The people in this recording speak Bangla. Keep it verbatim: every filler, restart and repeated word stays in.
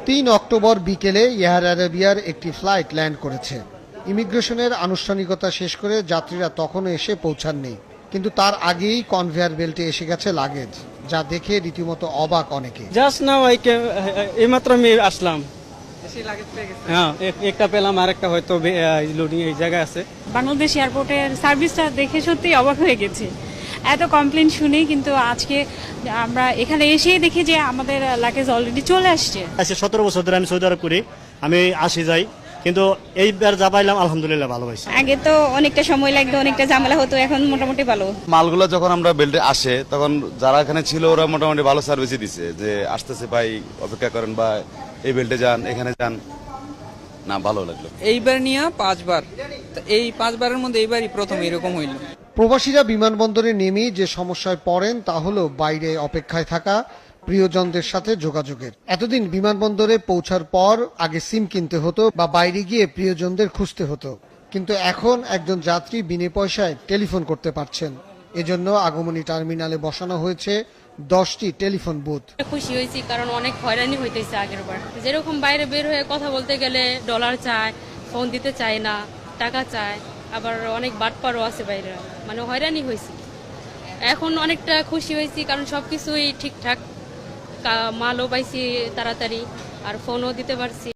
তিন অক্টোবর বিকেলে এয়ার আরাবিয়ার একটি ফ্লাইট ল্যান্ড করেছে। ইমিগ্রেশনের আনুষ্ঠানিকতা শেষ করে যাত্রীরা তখনও এসে পৌঁছাননি, কিন্তু তার আগেই কনভেয়ার বেল্টে এসে গেছে লাগেজ, যা দেখে রীতিমতো অবাক অনেকে। জাস্ট নাও আই এইমাত্র আমি আসলাম, হ্যাঁ একটা পেলাম আর একটা হয়তো লোডিং এই জায়গায় আছে। বাংলাদেশ এয়ারপোর্টের সার্ভিসটা দেখে সত্যি অবাক হয়ে গেছে। এত কমপ্লেন শুনি, কিন্তু আজকে আমরা এখানে এসেই দেখি যে আমাদের লাগেজ অলরেডি চলে আসছে। আচ্ছা, সতেরো বছর ধরে আমি সৌদি আরব করি, আমি আসি যাই, কিন্তু এইবার যা পাইলাম আলহামদুলিল্লাহ ভালো হয়েছে। আগে তো অনেকটা সময় লাগতো, অনেকটা ঝামেলা হতো, এখন মোটামুটি ভালো। মালগুলো যখন আমরা বেল্টে আসে তখন যারা এখানে ছিল ওরা মোটামুটি ভালো সার্ভিসই দিছে, যে আসতেছে ভাই অপেক্ষা করেন বা এই বেল্টে যান, এখানে যান, না ভালো লাগলো। এইবার নিয়ে পাঁচবার, এই পাঁচবারের মধ্যে এইবারই প্রথম এরকম হইল। প্রবাসীরা বিমানবন্দরে নেমেই যে সমস্যায় পড়েন তা হলো বাইরে অপেক্ষায় থাকা, প্রিয়জনদের সাথে যোগাযোগের। এতদিন বিমানবন্দরে পৌঁছার পর আগে সিম কিনতে হতো বা বাইরে গিয়ে প্রিয়জনদের খুঁজতে হতো, কিন্তু এখন একজন যাত্রী বিনে পয়সায় টেলিফোন করতে পারছেন। এজন্য আগমনী টার্মিনালে বসানো হয়েছে দশটি টেলিফোন বুথ। খুশি হয়েছি, কারণ অনেক হয়রানি হইতেছে আগের বার। যেরকম বাইরে বের হয়ে কথা বলতে গেলে ডলার চায়, ফোন দিতে চায় না, টাকা চায়, আবার অনেক বাটপারও আছে বাইরে, মানে হয়রানি হয়েছি। এখন অনেকটা খুশি হয়েছি, কারণ সবকিছুই ঠিকঠাক, মালও পাইছি তাড়াতাড়ি, আর ফোনও দিতে পারছি।